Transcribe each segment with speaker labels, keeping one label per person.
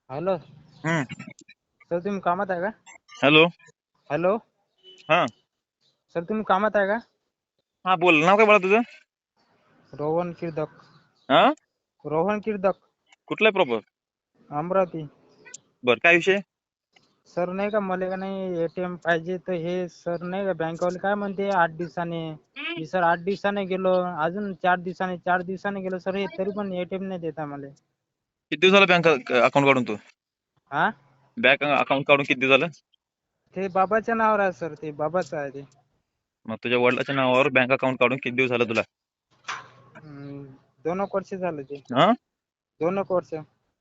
Speaker 1: Hello
Speaker 2: हम्म.
Speaker 1: Sir, तुम्ही कामात आहे का?
Speaker 2: हॅलो.
Speaker 1: हॅलो
Speaker 2: हा
Speaker 1: सर, तुम्ही कामात आहे का?
Speaker 2: हा बोल. नाव काय बोला तुझं?
Speaker 1: रोहन किर्दक.
Speaker 2: हा
Speaker 1: रोहन किर्दक,
Speaker 2: कुठलं आहे प्रॉपर?
Speaker 1: अमरावती.
Speaker 2: बर, काय विषय?
Speaker 1: सर नाही का, मला का नाही एटीएम पाहिजे. तर हे सर नाही का बँकवाले काय म्हणते 8 दिवसाने. मी सर 8 दिवसाने गेलो, अजून 4 दिवसाने गेलो सर, हे तरी पण एटीएम नाही देता मला.
Speaker 2: किती दिवस झालं बँक अकाउंट काढून तू?
Speaker 1: हा,
Speaker 2: बँक अकाउंट काढून किती दिवस झालं?
Speaker 1: ते बाबाच्या नावावर आहे सर, ते बाबाचं आहे ते.
Speaker 2: मग तुझ्या वडिलाच्या नावावर बँक अकाउंट काढून किती दिवस झालं तुला?
Speaker 1: 2 वर्ष झालं ते.
Speaker 2: हा
Speaker 1: 2 वर्ष.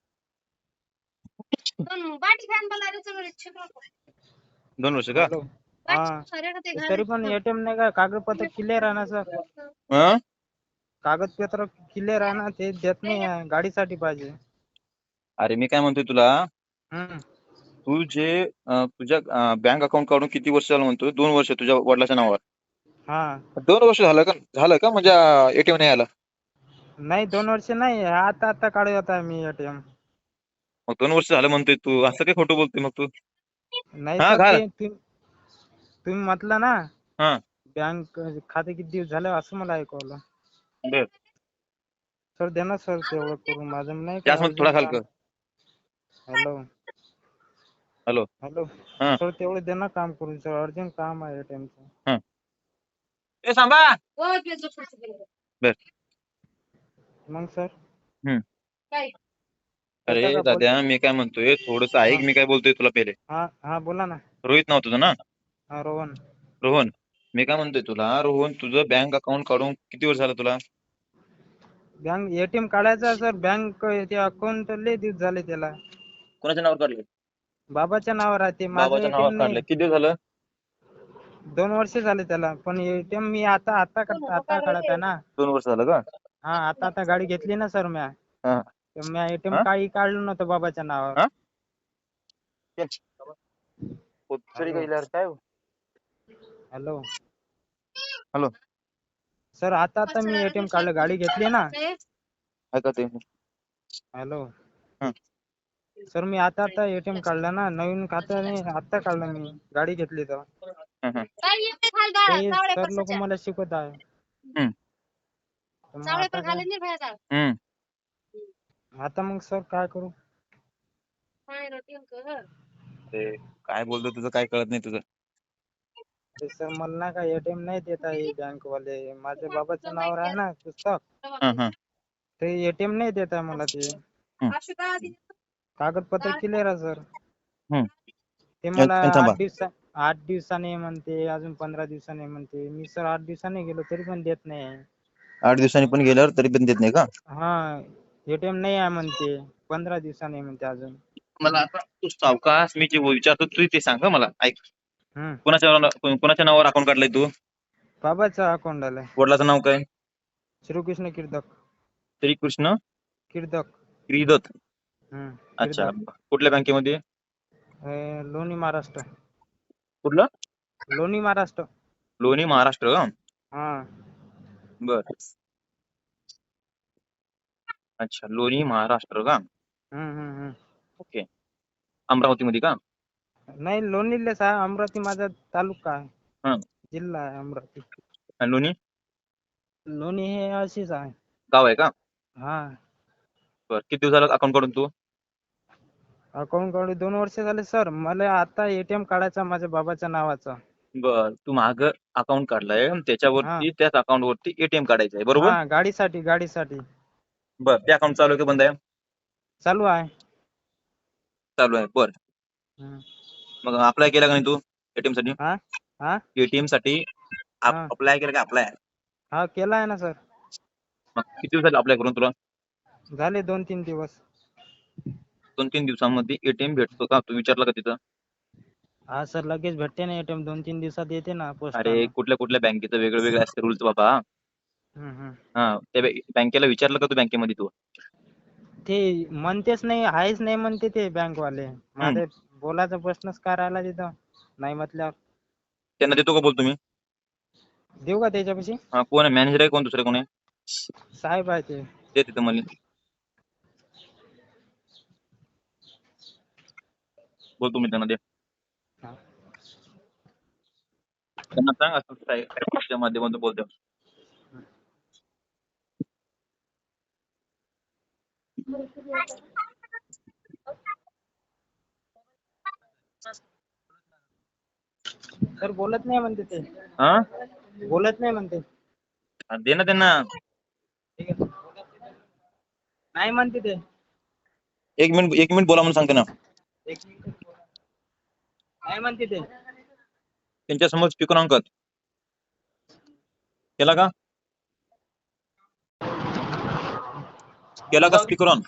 Speaker 2: 2 वर्ष का?
Speaker 1: हॅलो. हा, तरी पण एटीएम नाही का, कागदपत्र क्लिअर आहे ना सर.
Speaker 2: हा
Speaker 1: कागदपत्र क्लिअर आहे ना, ते देत नाही आहे. गाडीसाठी पाहिजे.
Speaker 2: अरे मी काय म्हणतोय तुला,
Speaker 1: हम्म.
Speaker 2: तू जे तुझ्या बँक अकाउंट काढून किती वर्ष झालं म्हणतोय? 2 वर्ष तुझ्या वडिलाच्या नावावर.
Speaker 1: हा,
Speaker 2: 2 वर्ष झालं का म्हणजे एटीएम नाही आला?
Speaker 1: नाही 2 वर्ष नाही, आता काढत आहे मी एटीएम.
Speaker 2: मग 2 वर्ष झालं म्हणतोय तू, असं काय खोटं बोलतोय मग तू?
Speaker 1: नाही
Speaker 2: हा
Speaker 1: सर,
Speaker 2: घाल.
Speaker 1: ते तुम्ही म्हटलं ना
Speaker 2: हा
Speaker 1: बँक खाते किती दिवस झाले, असं मला ऐकवलं.
Speaker 2: बर,
Speaker 1: सर द्या ना सर, तेवढं करून माझं नाही का
Speaker 2: जास्त थोडा
Speaker 1: अर्जंट
Speaker 2: खाल
Speaker 1: काम.
Speaker 2: कर.
Speaker 1: हॅलो.
Speaker 2: हॅलो.
Speaker 1: हॅलो
Speaker 2: हा
Speaker 1: सर, तेवढं द्या ना काम करून सर, अर्जंट काम आहे एटीएमचं.
Speaker 2: हा ए सांबा. बर.
Speaker 1: मग सर
Speaker 2: हम्म.
Speaker 1: देता
Speaker 2: अरे
Speaker 1: का
Speaker 2: दाद्या,
Speaker 1: बोलता?
Speaker 2: मी काय म्हणतोय, थोडस
Speaker 1: हा
Speaker 2: ऐक मी काय बोलतोय तुला पहिले.
Speaker 1: हा हा, बोला ना.
Speaker 2: रोहित नाव तुझं ना?
Speaker 1: हा, रोहन.
Speaker 2: रोहन. मी काय म्हणतोय तुला, रोहन तुझं बँक अकाउंट काढून किती वर्ष झालं तुला?
Speaker 1: बँक एटीएम काढायचा सर, बँक ते अकाउंट लय दिवस झाले त्याला.
Speaker 2: कोणाच्या नावावर काढले?
Speaker 1: बाबाच्या नावावर आहे ते, माझं
Speaker 2: बाबाच्या नावावर
Speaker 1: एटीएम
Speaker 2: काढलं.
Speaker 1: नाही.
Speaker 2: किती दिवस झालं?
Speaker 1: 2 वर्ष झाले त्याला, पण एटीएम मी आता काढत आहे ना.
Speaker 2: 2 वर्ष झालं का?
Speaker 1: हा, आता गाडी घेतली ना सर म्या.
Speaker 2: हा
Speaker 1: तर म्या एटीएम
Speaker 2: हा
Speaker 1: काही काढलं नव्हतं बाबाच्या नावावर.
Speaker 2: हा
Speaker 1: हॅलो.
Speaker 2: काय?
Speaker 1: Hello
Speaker 2: hello.
Speaker 1: सर, आता मी एटीएम काढलं, गाडी घेतली ना.
Speaker 2: ऐका ते.
Speaker 1: हॅलो
Speaker 2: हा
Speaker 1: सर, मी आता एटीएम काढलं ना, नवीन खातं नाही, आता काढलं मी, गाडी घेतली तर.
Speaker 2: हा हा.
Speaker 1: ते सर लोक मला शिकवत आहे.
Speaker 2: हम्म.
Speaker 1: तर मग आता काय,
Speaker 2: हम्म.
Speaker 1: आता मग सर काय करू?
Speaker 2: ते काय बोलतो तुझं काय कळत नाही तुझं.
Speaker 1: ते सर मला ना काय एटीएम नाही देत आहे बँक वाले, माझ्या बाबाच्या नावावर आहे ना पुस्तक,
Speaker 2: हा हा
Speaker 1: ते एटीएम नाही देत आहे मला. ते कागदपत्र क्लिअर आहे सर.
Speaker 2: हम्म.
Speaker 1: ते मला
Speaker 2: थांबा.
Speaker 1: 8 दिवसाने म्हणते, अजून 15 दिवसाने म्हणते. मी सर 8 दिवसाने गेलो तरी पण देत नाही.
Speaker 2: 8 दिवसांनी पण गेल्यावर तरी पण देत नाही का?
Speaker 1: हा, एटीएम नाही आहे म्हणते, 15 दिवसाने म्हणते अजून.
Speaker 2: मला आता तू सावकाश, मी जे विचारतो तू ते सांग मला. ऐक.
Speaker 1: हम्म.
Speaker 2: कोणाच्या नावावर अकाउंट काढलंय तू?
Speaker 1: बाबाचा अकाउंट आलाय.
Speaker 2: वडिलाचं नाव काय?
Speaker 1: श्रीकृष्ण किर्दक.
Speaker 2: श्रीकृष्ण
Speaker 1: किर्दक.
Speaker 2: क्रीदत. अच्छा.
Speaker 1: किर्दक.
Speaker 2: कुठल्या बँकेमध्ये?
Speaker 1: लोणी महाराष्ट्र.
Speaker 2: कुठलं?
Speaker 1: लोणी महाराष्ट्र.
Speaker 2: लोणी महाराष्ट्र.
Speaker 1: हा.
Speaker 2: बर. अच्छा, लोणी महाराष्ट्र का?
Speaker 1: हम्म.
Speaker 2: ओके. अमरावती मध्ये का?
Speaker 1: नाही, लोणीलेच आहे. अमरावती माझा तालुका आहे,
Speaker 2: हा.
Speaker 1: जिल्हा आहे अमरावती.
Speaker 2: आणि लोणी
Speaker 1: लोणी हे अशीच आहे.
Speaker 2: गाव आहे का?
Speaker 1: हा.
Speaker 2: बर. किती दिवस झालं अकाउंट काढून तू?
Speaker 1: अकाउंट काढून 2 वर्ष झाले सर. मला आता एटीएम काढायचा माझ्या बाबाच्या नावाचा.
Speaker 2: बर. तू माग अकाउंट काढलंय,
Speaker 1: हा
Speaker 2: त्याच्यावरती त्याच अकाउंट वरती एटीएम काढायचं आहे, बरोबर?
Speaker 1: हा, गाडीसाठी.
Speaker 2: बर. ते अकाउंट चालू आहे का बंद आहे?
Speaker 1: चालू आहे.
Speaker 2: चालू आहे. बर.
Speaker 1: हम्म.
Speaker 2: मग अप्लाय केला का नाही तू एटीएम साठी?
Speaker 1: हा हा
Speaker 2: एटीएम साठी
Speaker 1: हा
Speaker 2: अप्लाय केला का? अप्लाय
Speaker 1: हा, केला आहे ना सर.
Speaker 2: मग किती दिवस झाले अप्लाय करून तुला?
Speaker 1: झाले 2-3 दिवस.
Speaker 2: 2-3 दिवसांमध्ये एटीएम भेटतो का? तू विचारलं का तिथं?
Speaker 1: हा सर, लगेच भेटते ना एटीएम, 2-3 दिवसात येते ना
Speaker 2: अरे
Speaker 1: पोस्टानं.
Speaker 2: कुठल्या बँकेचं वेगळे असते रूल्स बाबा.
Speaker 1: हम्म.
Speaker 2: हा, त्या बँकेला विचारलं का तू बँकेमध्ये तू?
Speaker 1: ते म्हणतेच नाही, आहेच नाही म्हणते ते बँकवाले. माझे बोलायचा प्रश्नच काय राहिला तिथं, नाही म्हटल्यावर.
Speaker 2: त्यांना देतो का बोल तुम्ही?
Speaker 1: देऊ का त्याच्यापाशी?
Speaker 2: हा, कोण आहे मॅनेजर आहे? कोण दुसरे कोण आहे?
Speaker 1: साहेब आहे ते.
Speaker 2: ते तिथं मला. बोलतो मी त्यांना, दे
Speaker 1: हा.
Speaker 2: त्यांना सांग असं साहेबच्या माध्यमातून बोलतो.
Speaker 1: सर बोलत नाही म्हणते ते,
Speaker 2: हा
Speaker 1: बोलत नाही म्हणते.
Speaker 2: दे ना त्यांना.
Speaker 1: ठीक आहे. नाही म्हणते ते.
Speaker 2: 1 मिनिट बोला म्हणून सांगते ना.
Speaker 1: एक मिनिट. नाही म्हणते ते.
Speaker 2: त्यांच्या समोर स्पीकर ऑन कर. केला का? केला का स्पीकर ऑन?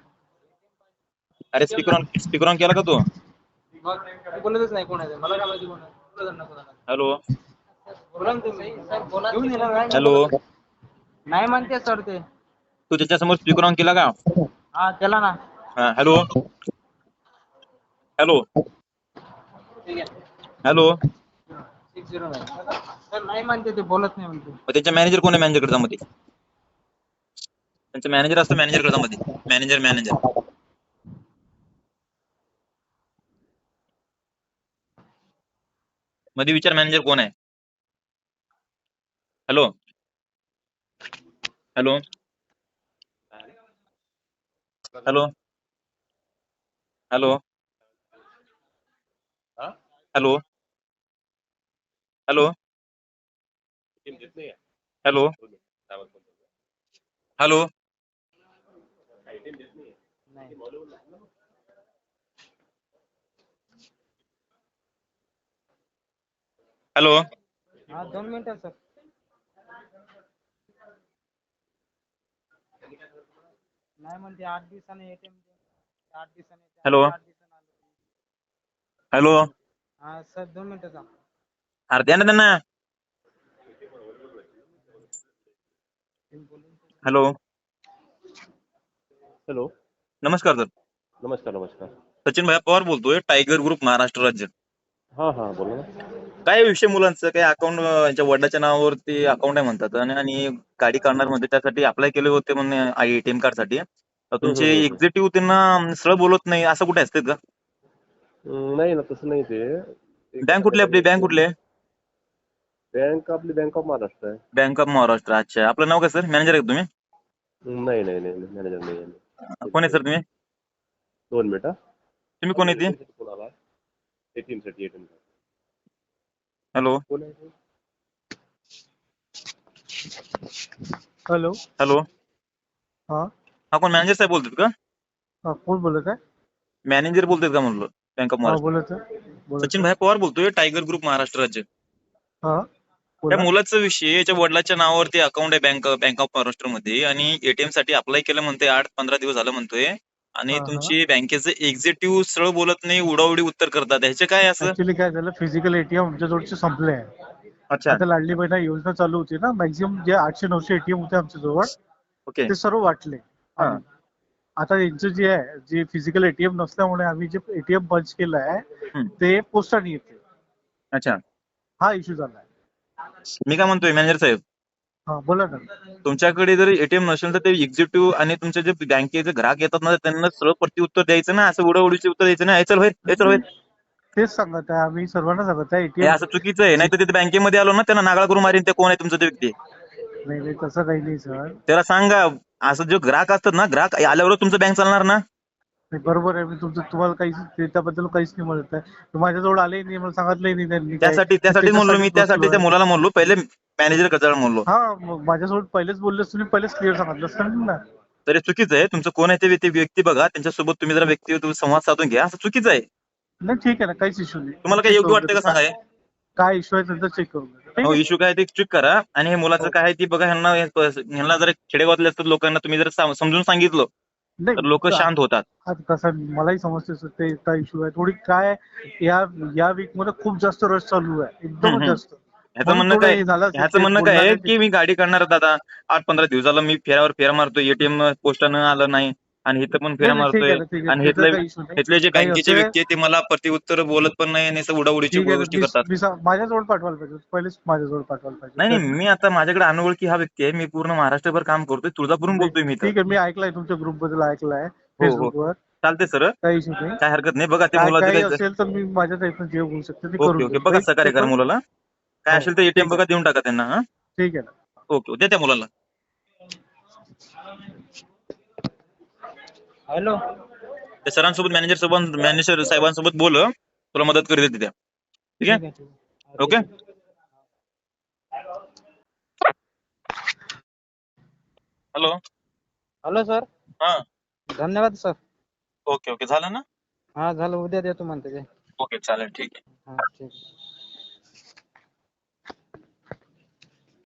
Speaker 2: अरे स्पीकर ऑन केला का तू?
Speaker 1: बोलतच नाही. कोण आहे ते? मला काय माहिती कोण आहे? बोलत नाही कोणाला.
Speaker 2: हॅलो
Speaker 1: बोला ना तुम्ही. सर बोला. घेऊन ये ना.
Speaker 2: हॅलो,
Speaker 1: नाही म्हणते सर ते.
Speaker 2: तू त्याच्यासमोर स्पीकर ऑन केला का?
Speaker 1: हा केला ना.
Speaker 2: हॅलो हॅलो
Speaker 1: ठीक आहे.
Speaker 2: हॅलो.
Speaker 1: 609. सर नाही म्हणते ते, बोलत नाही म्हणते.
Speaker 2: मग त्यांच्या मॅनेजर कोण आहे? मॅनेजर कडे मध्ये त्यांचा मॅनेजर असतो. मॅनेजर कडे मध्ये मॅनेजर मध्ये विचार, मॅनेजर कोण आहे? Hello hello hello hello hello hello hello hello
Speaker 1: नाही.
Speaker 2: हॅलो.
Speaker 1: हा 2 मिनिटं सर. नाही म्हणते 8 दिवसाने एटीएम. 8 दिवसाने.
Speaker 2: हॅलो
Speaker 1: 8 दिवसाने आलो.
Speaker 2: हॅलो.
Speaker 1: हा सर 2 मिनिटं थांब.
Speaker 2: अरे द्या ना त्यांना. हॅलो.
Speaker 3: हॅलो.
Speaker 2: नमस्कार सर.
Speaker 3: नमस्कार नमस्कार.
Speaker 2: सचिन भाई पवार बोलतोय, टायगर ग्रुप महाराष्ट्र राज्य.
Speaker 3: हां हां बोला ना.
Speaker 2: काय विषय मुलांचं काय अकाउंट यांच्या वडिलाच्या नावावरती अकाउंट आहे म्हणतात आणि गाडी काढणार म्हणजे त्यासाठी अप्लाय केले होते म्हणणे एटीएम कार्ड साठी. तुमचे एक्झिक्युटिव्ह त्यांना सरळ बोलत नाही, असं कुठे असते का?
Speaker 3: नाही ना, तसं नाही ते.
Speaker 2: बँक कुठली आपली? बँक कुठली आहे?
Speaker 3: बँक आपली बँक ऑफ महाराष्ट्र आहे.
Speaker 2: Bank of Maharashtra. अच्छा, आपलं नाव काय सर? मॅनेजर आहे तुम्ही?
Speaker 3: नाही नाही नाही मॅनेजर नाही आहे.
Speaker 2: कोण आहे सर तुम्ही?
Speaker 3: 2 मिनिट.
Speaker 2: तुम्ही कोण आहे ती?
Speaker 3: कोणाला? एटीएम साठी. एटीएम साठी.
Speaker 2: हॅलो
Speaker 3: कोण आहे?
Speaker 1: हॅलो.
Speaker 2: हॅलो.
Speaker 1: हा
Speaker 2: हा कोण मॅनेजर साहेब बोलतात का?
Speaker 1: हा कोण बोलत आहे?
Speaker 2: मॅनेजर बोलतात का म्हणलं? बँक ऑफ
Speaker 1: हा
Speaker 2: महाराष्ट्र.
Speaker 1: बोलत आहे. बोलत
Speaker 2: सचिन
Speaker 1: आहे.
Speaker 2: भाई पवार बोलतोय, टायगर ग्रुप महाराष्ट्र राज्य.
Speaker 1: हा
Speaker 2: त्या
Speaker 1: बोला.
Speaker 2: मुलाचा विषय, याच्या वडिलाच्या नावावरती अकाउंट आहे बँक ऑफ महाराष्ट्र मध्ये आणि एटीएम साठी अप्लाय केलं म्हणतोय. 8-15 दिवस झालं म्हणतोय आणि
Speaker 1: हा हा.
Speaker 2: तुमची बँकेचे एक्झिक्युटिव्ह सरळ बोलत नाही, उडाउडी उत्तर करतात. ह्याचे काय असं?
Speaker 1: ऍक्च्युली काय झालं, फिजिकल एटीएम आमच्या जवळचे संपले आहे.
Speaker 2: अच्छा.
Speaker 1: आता लाडली बहीण योजना चालू होती ना, मॅक्झिमम जे 800-900 एटीएम होते आमच्या जवळ
Speaker 2: ओके.
Speaker 1: ते सर्व वाटले
Speaker 2: हा.
Speaker 1: आम्ही. आता यांचं जे आहे, जे फिजिकल एटीएम नसल्यामुळे आम्ही जे एटीएम बंद केलं आहे
Speaker 2: हम्म.
Speaker 1: ते पोस्टाने येते.
Speaker 2: अच्छा,
Speaker 1: हा इश्यू झालाय.
Speaker 2: मी काय म्हणतोय मॅनेजर साहेब,
Speaker 1: हा बोला ना.
Speaker 2: तुमच्याकडे जर एटीएम नसेल तर ते एक्झिक्युटिव्ह आणि तुमचे जे बँकेचे ग्राहक येतात ना, त्यांना सरळ प्रत्युत्तर द्यायचं ना, असं उडवडीचे उत्तर द्यायचं ना. चल होय.
Speaker 1: तेच सांगत आहे आम्ही सर्वांना, सांगत आहे
Speaker 2: हे
Speaker 1: एटीएम.
Speaker 2: असं चुकीचं आहे. नाही तर तिथे बँकेमध्ये आलो ना, त्यांना नागाळ करून मारीन. ते कोण आहे तुमचं ते व्यक्ती?
Speaker 1: नाही नाही तसं काही नाही सर.
Speaker 2: त्याला सांगा, असं जो ग्राहक असतात ना, ग्राहक आल्यावर तुमचं बँक चालणार ना.
Speaker 1: नाही, बरोबर आहे. मी तुम्हाला काहीच त्याबद्दल काहीच नाही म्हणत आहे. माझ्याजवळ आले नाही, मला सांगितलंही नाही त्यांनी काय.
Speaker 2: त्यासाठी म्हणलो मी, त्यासाठी त्या मुलाला म्हणलो पहिले मॅनेजर कचरा म्हणलो.
Speaker 1: हा माझ्यासोबत पहिलेच बोलले, तुम्ही पहिलेच क्लिअर सांगितलं असतं ना.
Speaker 2: तरी चुकीचं आहे. तुमचं कोण आहे ते व्यक्ती बघा, त्यांच्यासोबत तुम्ही जरा व्यक्ती संवाद साधून घ्या. असं चुकीचं आहे.
Speaker 1: नाही ठीक आहे ना, काहीच इश्यू नाही.
Speaker 2: तुम्हाला काय
Speaker 1: चेक
Speaker 2: योग्य
Speaker 1: करून
Speaker 2: वाटतं
Speaker 1: घेतो.
Speaker 2: का सांगा?
Speaker 1: काय इश्यू आहे त्यांचा चेक करून घेतो. ठीक
Speaker 2: हो,
Speaker 1: आहे.
Speaker 2: इश्यू काय ते चेक करा. आणि हे मुलाचं
Speaker 1: हो.
Speaker 2: काय आहे ती बघा. ह्यांना जर खेडेगावातले असतात लोकांना तुम्ही जर समजून सांगितलं तर लोक
Speaker 1: नाही
Speaker 2: शांत होतात.
Speaker 1: आता कसं मलाही समजते ते काय इश्यू आहे. थोडी काय या वीक मध्ये खूप जास्त रश चालू आहे, एकदमच जास्त.
Speaker 2: ह्याचं
Speaker 1: म्हणून
Speaker 2: म्हणणं
Speaker 1: थोडं
Speaker 2: काय?
Speaker 1: हे झालं असेल,
Speaker 2: ह्याचं
Speaker 1: ते
Speaker 2: म्हणणं काय
Speaker 1: बोलला
Speaker 2: आहे
Speaker 1: नाही ते.
Speaker 2: की मी गाडी काढणार दादा, 8-15 दिवसाला मी फेऱ्या मारतोय, एटीएम पोस्टानं आलं नाही आणि इथं पण फेऱ्या
Speaker 1: नाही ठीक आहे
Speaker 2: मारतोय.
Speaker 1: ना, ठीक आहे.
Speaker 2: आणि
Speaker 1: त्याचा काही इश्यू नाही.
Speaker 2: इथले जे
Speaker 1: काही
Speaker 2: बँकेचे
Speaker 1: असे
Speaker 2: व्यक्ती आहेत ते मला प्रत्युत्तर बोलत पण नाही आणि असं उडाउडीची
Speaker 1: ठीक आहे
Speaker 2: गोष्टी
Speaker 1: ना.
Speaker 2: करतात.
Speaker 1: माझ्याजवळ पाठवायला पाहिजे पहिलेच, माझ्याजवळ पाठवायला पाहिजे
Speaker 2: नाही
Speaker 1: त्यात.
Speaker 2: मी आता माझ्याकडे अनोळखी हा व्यक्ती आहे. मी पूर्ण महाराष्ट्रभर काम करतोय. तुळजापूरहून
Speaker 1: नाही
Speaker 2: बोलतोय मी इथं.
Speaker 1: ठीक आहे, मी ऐकलंय तुमच्या ग्रुप बद्दल, ऐकलंय
Speaker 2: हो हो
Speaker 1: फेसबुकवर.
Speaker 2: चालते सर,
Speaker 4: काही इश्यू नाही.
Speaker 2: काय हरकत नाही. बघा ते
Speaker 4: काय
Speaker 2: मुलाचं
Speaker 4: काय
Speaker 2: काय.
Speaker 4: असेल तर मी माझ्या टाईपनं जे होऊ शकतं ते
Speaker 2: ओके
Speaker 4: करून
Speaker 2: ओके,
Speaker 4: देईन.
Speaker 2: बघा
Speaker 4: काही
Speaker 2: सहकार्य करा
Speaker 4: ते
Speaker 2: मुलाला. काय
Speaker 4: हो,
Speaker 2: असेल तर एटीएम
Speaker 4: ठीक आहे.
Speaker 2: बघा देऊन टाका त्यांना. हा
Speaker 4: ठीक आहे ना.
Speaker 2: ओके, द्या त्या मुलाला.
Speaker 1: हॅलो.
Speaker 2: त्या सरांसोबत मॅनेजर साहेबांसोबत बोल, तुला मदत करतील त्या. ठीक
Speaker 1: ठीक
Speaker 2: आहे,
Speaker 1: आहे ठीक आहे.
Speaker 2: ओके. हॅलो.
Speaker 1: Hello sir.
Speaker 2: हा
Speaker 1: धन्यवाद सर.
Speaker 2: ओके ओके, झालं ना.
Speaker 1: हा झालं, उद्या देतो म्हणते ते.
Speaker 2: ओके चालेल, ठीक आहे.
Speaker 1: हा ठीक.